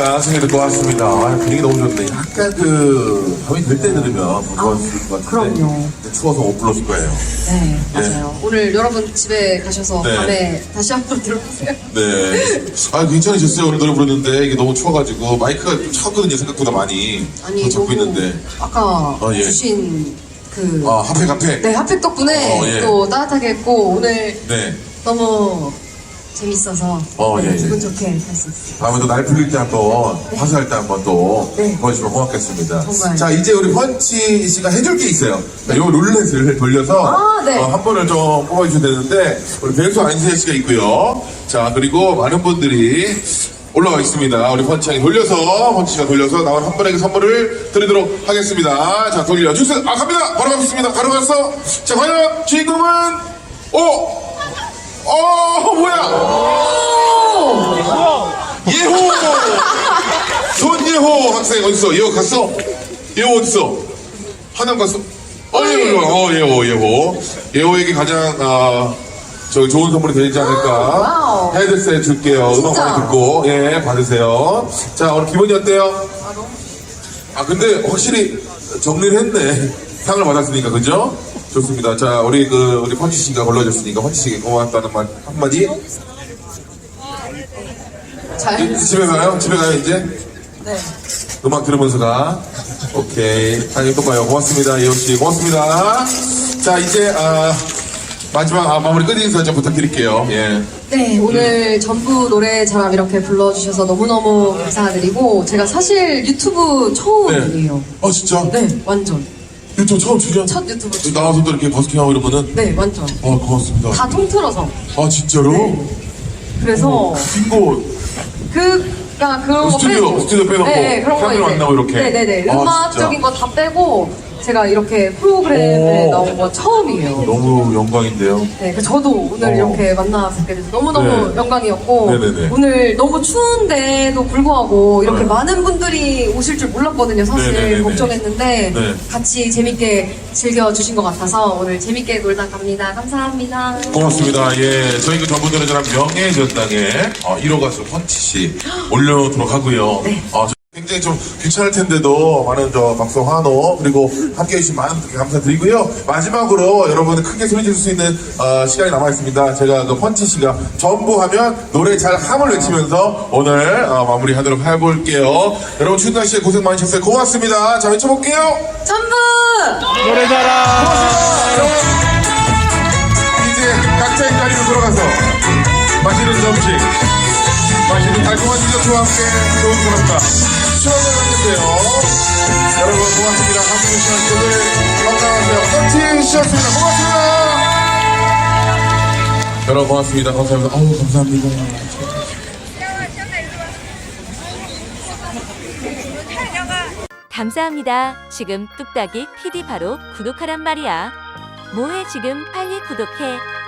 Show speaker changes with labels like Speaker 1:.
Speaker 1: 안녕하십니까. 승희 듣고 왔습니다. 아, 분위기 너무 좋네. 약간 밤이 될 때 들으면 더 좋았을 것 같은데.
Speaker 2: 그럼요.
Speaker 1: 추워서 못 불렀을 거예요.
Speaker 2: 네, 맞아요. 오늘 여러분 집에 가셔서
Speaker 1: 네.
Speaker 2: 밤에 다시 한번 들어보세요.
Speaker 1: 네. 아, 괜찮으셨어요? 오늘 노래 부르는데 이게 너무 추워가지고 마이크가 좀 차거든요. 생각보다 많이.
Speaker 2: 아니,
Speaker 1: 더 잡고
Speaker 2: 너무
Speaker 1: 있는데.
Speaker 2: 아까
Speaker 1: 예.
Speaker 2: 주신
Speaker 1: 핫팩.
Speaker 2: 네, 핫팩 덕분에
Speaker 1: 예.
Speaker 2: 또 따뜻하게 했고 오늘
Speaker 1: 네.
Speaker 2: 너무 재밌어서
Speaker 1: 예.
Speaker 2: 기분 좋게 할 수 있어요.
Speaker 1: 다음에도 날 풀릴 때 한번, 화사할 때 한번 또
Speaker 2: 네.
Speaker 1: 보여주시면 고맙겠습니다.
Speaker 2: 정말.
Speaker 1: 자, 이제 우리 펀치 씨가 해줄 게 있어요. 자, 요 룰렛을 돌려서
Speaker 2: 네.
Speaker 1: 한 번을 좀 뽑아주셔야 되는데, 우리 배우수 안세혜 씨가 있고요. 자, 그리고 많은 분들이 올라와 있습니다. 우리 펀치 형이 돌려서, 펀치 씨가 돌려서 나온 한 분에게 선물을 드리도록 하겠습니다. 자, 돌려주세요. 갑니다. 바로 가겠습니다. 바로 가서. 자, 과연 주인공은, 뭐야? 예호! 손예호 학생 어딨어? 예호 갔어? 예호 어딨어? 하남 갔어? 예호. 예호에게 가장, 좋은 선물이 되지 않을까.
Speaker 2: 와우.
Speaker 1: 헤드셋 줄게요. 음악
Speaker 2: 진짜?
Speaker 1: 많이 듣고, 받으세요. 자, 오늘 기분이 어때요? 근데 확실히 정리를 했네. 상을 받았으니까, 그죠? 좋습니다. 자, 우리 펀치 씨가 골라줬으니까, 펀치 씨에게 고맙다는 말 한마디. 집에 가요? 집에 가요, 이제?
Speaker 2: 네.
Speaker 1: 음악 들으면서 가. 오케이. 다음에 또 봐요. 고맙습니다. 예호씨. 고맙습니다. 자, 이제, 마지막, 마무리 끝인사 좀 부탁드릴게요. 예.
Speaker 2: 네, 오늘 전부 노래 자랑 이렇게 불러주셔서 너무너무 감사드리고 제가 사실 유튜브 처음이에요.
Speaker 1: 진짜?
Speaker 2: 네, 완전.
Speaker 1: 유튜브 처음 출연?
Speaker 2: 첫 유튜브 출연.
Speaker 1: 나와서 또 이렇게 버스킹하고 이러면은?
Speaker 2: 네, 완전.
Speaker 1: 고맙습니다.
Speaker 2: 다 통틀어서.
Speaker 1: 진짜로?
Speaker 2: 네. 그래서
Speaker 1: 빙고.
Speaker 2: 그런 거 빼고.
Speaker 1: 스튜디오 빼놓고.
Speaker 2: 네, 그런 거
Speaker 1: 카메라 안 나오고 이렇게.
Speaker 2: 네네네.
Speaker 1: 아,
Speaker 2: 음악적인 거 다 빼고 제가 이렇게 프로그램에
Speaker 1: 오.
Speaker 2: 나온 거 처음이에요.
Speaker 1: 너무 영광인데요.
Speaker 2: 네, 저도 오늘 이렇게 만나 뵙게 돼서 너무너무
Speaker 1: 네.
Speaker 2: 영광이었고
Speaker 1: 네네네.
Speaker 2: 오늘 너무 추운데도 불구하고 이렇게
Speaker 1: 네.
Speaker 2: 많은 분들이 오실 줄 몰랐거든요. 사실
Speaker 1: 네네네네.
Speaker 2: 걱정했는데
Speaker 1: 네.
Speaker 2: 같이 재밌게 즐겨주신 것 같아서 오늘 재밌게 놀다 갑니다. 감사합니다.
Speaker 1: 고맙습니다. 예. 저희 전분들은 저랑 명예전당에 1호 가수 펀치 씨 올려놓도록 하고요.
Speaker 2: 네.
Speaker 1: 굉장히 좀 귀찮을 텐데도 많은 박수 환호 그리고 함께 해주신 많은 분들께 감사드리고요. 마지막으로 여러분 크게 소리 지를 수 있는 시간이 남아있습니다. 제가 펀치 씨가 전부 하면 노래 잘 함을 외치면서 오늘 마무리하도록 해볼게요. 여러분 추운 날씨에 고생 많으셨어요. 고맙습니다. 자, 외쳐볼게요.
Speaker 2: 전부!
Speaker 3: 노래 잘하.
Speaker 1: 이제 각자의 자리로 돌아가서 맛있는 점심, 맛있는 달콤한 디저트와 함께 좋은 사람과 추억을 갖는데요. 여러분 고맙습니다. 함께 해주시는 분들 건강하세요. 펀치 씨였습니다. 고맙습니다. 여러분 고맙습니다. 감사합니다. 감사합니다.
Speaker 4: 감사합니다. 지금 뚝딱이 PD 바로 구독하란 말이야. 뭐해 지금 빨리 구독해.